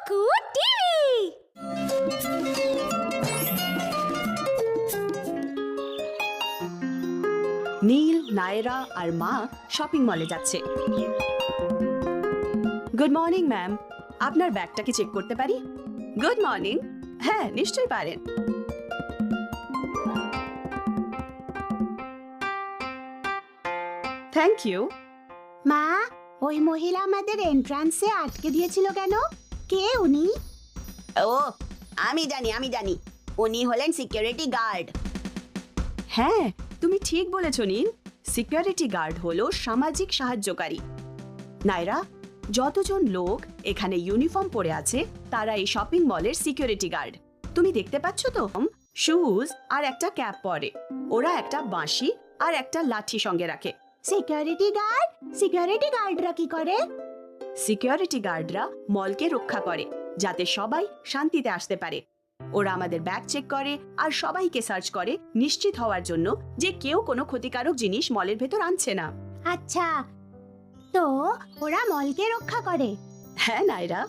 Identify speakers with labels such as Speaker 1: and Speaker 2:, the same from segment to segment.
Speaker 1: কুকু টিভি।
Speaker 2: নীল, নায়রা আর মা শপিং মলে যাচ্ছে। গুড মর্নিং ম্যাম, আপনার ব্যাগটা কি চেক করতে পারি? Good morning. হ্যাঁ, নিশ্চয়ই পারেন। Thank you.
Speaker 1: মা, ওই মহিলা আমাদের এন্ট্রান্সে আটকে দিয়েছিল কেন? কে উনি?
Speaker 3: ও, আমি জানি উনি হলেন সিকিউরিটি গার্ড।
Speaker 2: হ্যাঁ, তুমি ঠিক বলেছ নীল। সিকিউরিটি গার্ড হলো সামাজিক সাহায্যকারী। নায়রা, যতজন লোক এখানে ইউনিফর্ম পরে আছে তারা এই শপিং মলের সিকিউরিটি গার্ড। তুমি দেখতে পাচ্ছ তো, শুজ আর একটা ক্যাপ পরে। ওরা একটা বাঁশি আর একটা লাঠি সঙ্গে রাখে।
Speaker 1: Security guard? সিকিউরিটি গার্ডরা কি করে?
Speaker 2: সিকিউরিটি গার্ডরা মলকে রক্ষা করে যাতে সবাই শান্তিতে আসতে পারে। ওরা আমাদের ব্যাগ চেক করে আর সবাইকে সার্চ করে নিশ্চিত হওয়ার জন্য যে কেউ কোনো ক্ষতিকারক জিনিস মলের ভেতর আনছে না।
Speaker 1: আচ্ছা, তো ওরা মলকে রক্ষা করে?
Speaker 2: হ্যাঁ নায়রা।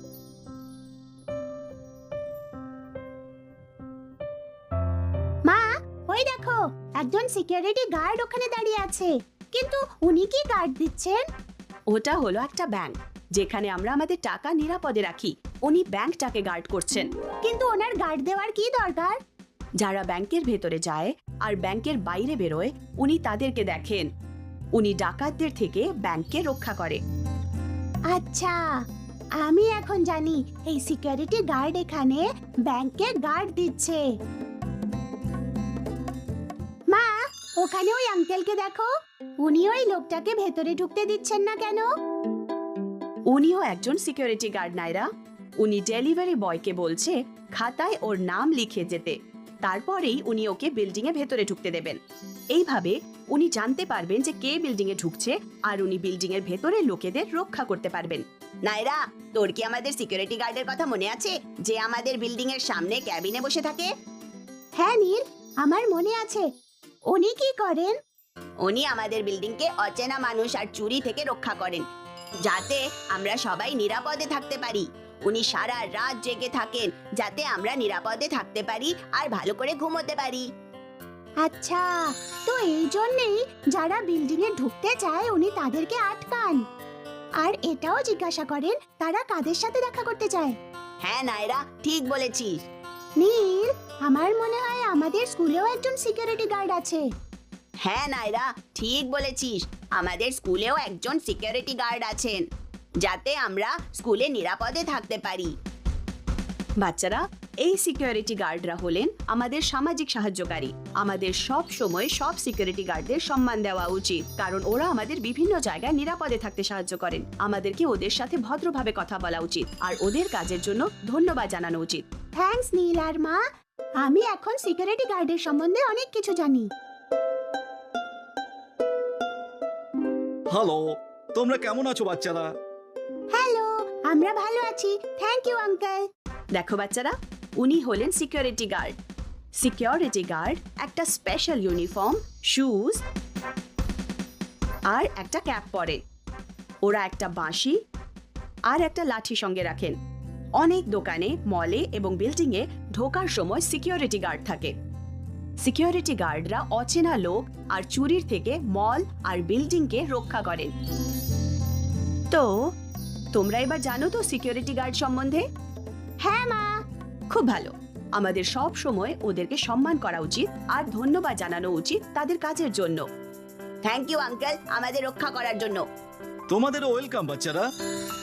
Speaker 1: মা, ওই দেখো, একজন সিকিউরিটি গার্ড ওখানে দাঁড়িয়ে আছে। কিন্তু উনি কি গার্ড দিচ্ছেন?
Speaker 2: ওটা হলো একটা ব্যাংক যেখানে আমরা আমাদের টাকা নিরাপদে রাখি। উনি ব্যাংকটাকে গার্ড করছেন।
Speaker 1: কিন্তু ওনার গার্ড দেওয়ার কি দরকার?
Speaker 2: যারা ব্যাংকের ভেতরে যায় আর ব্যাংকের বাইরে বেরোয় উনি তাদেরকে দেখেন। উনি ডাকাতদের থেকে ব্যাংককে রক্ষা করে।
Speaker 1: আচ্ছা, আমি এখন জানি এই সিকিউরিটি গার্ড এখানে ব্যাংকে গার্ড দিচ্ছে। মা, ওখানে ওই আঙ্কেলকে দেখো, উনি ওই লোকটাকে ভেতরে ঢুকতে দিচ্ছেন না কেন?
Speaker 2: উনিও একজন সিকিউরিটি গার্ড নায়রা। উনি ডেলিভারি বয়কে বলছে খাতায় ওর নাম লিখে যেতে, তারপরেই উনি ওকে বিল্ডিং এ ভেতরে ঢুকতে দেবেন। এইভাবে উনি জানতে পারবেন যে কে বিল্ডিং এ ঢুকছে আর উনি বিল্ডিং এর ভেতরে লোকেদের রক্ষা করতে পারবেন।
Speaker 3: নায়রা, তোর কি আমাদের সিকিউরিটি গার্ডের কথা মনে আছে যে আমাদের বিল্ডিং এর সামনে ক্যাবিনে বসে থাকে?
Speaker 1: হ্যাঁ নীল, আমার মনে আছে। উনি কি করেন?
Speaker 3: উনি আমাদের বিল্ডিংকে অচেনা মানুষ আর চুরি থেকে রক্ষা করেন যাতে আমরা সবাই নিরাপদে থাকতে পারি। উনি সারা রাত জেগে থাকেন যাতে আমরা নিরাপদে থাকতে পারি আর ভালো করে ঘুমোতে পারি।
Speaker 1: আচ্ছা, তো এই জন্যই যারা বিল্ডিং এ ঢুকতে চায় উনি তাদেরকে আটকান। আর এটাও জিজ্ঞাসা করেন তারা কাদের সাথে দেখা করতে চায়।
Speaker 3: হ্যাঁ নায়রা, ঠিক বলেছিস।
Speaker 1: নীল, আমার মনে হয় আমাদের স্কুলেও একজন সিকিউরিটি গার্ড আছে।
Speaker 3: হ্যাঁ নায়রা, ঠিক বলেছিস। আমাদের স্কুলেও একজন সিকিউরিটি গার্ড আছেন যাতে আমরা স্কুলে নিরাপদে থাকতে পারি।
Speaker 2: বাচ্চারা, এই সিকিউরিটি গার্ডরা হলেন আমাদের সামাজিক সাহায্যকারী। আমাদের সব সময় সব সিকিউরিটি গার্ডদের সম্মান দেওয়া উচিত, কারণ ওরা আমাদের বিভিন্ন জায়গায় নিরাপদে থাকতে সাহায্য করেন। আমাদেরকে ওদের সাথে ভদ্রভাবে কথা বলা উচিত আর ওদের কাজের জন্য ধন্যবাদ জানানো উচিত।
Speaker 1: থ্যাঙ্কস নীল আর মা, আমি এখন সিকিউরিটি গার্ডের সম্বন্ধে অনেক কিছু জানি।
Speaker 4: হ্যালো, তোমরা কেমন আছো বাচ্চারা?
Speaker 1: হ্যালো, আমরা ভালো আছি, থ্যাংক ইউ আঙ্কেল।
Speaker 2: দেখো বাচ্চারা, উনি হলেন সিকিউরিটি গার্ড। সিকিউরিটি গার্ড একটা স্পেশাল ইউনিফর্ম, শুজ আর একটা ক্যাপ পরে। ওরা একটা বাঁশি আর একটা লাঠি সঙ্গে রাখেন। অনেক দোকানে, মলে এবং বিল্ডিংয়ে ঢোকার সময় সিকিউরিটি গার্ড থাকে। সিকিউরিটি গার্ডরা অচেনা লোক আর চুরির থেকে মল আর বিল্ডিংকে রক্ষা করেন। তো তোমরা এবার জানো তো সিকিউরিটি গার্ড সম্বন্ধে?
Speaker 1: হ্যাঁ মা।
Speaker 2: খুব ভালো। আমাদের সব সময় ওদেরকে সম্মান করা উচিত আর ধন্যবাদ জানানো উচিত তাদের কাজের জন্য।
Speaker 3: থ্যাংক ইউ আঙ্কেল, আমাদের রক্ষা করার জন্য।
Speaker 4: তোমাদেরও ওয়েলকাম বাচ্চারা।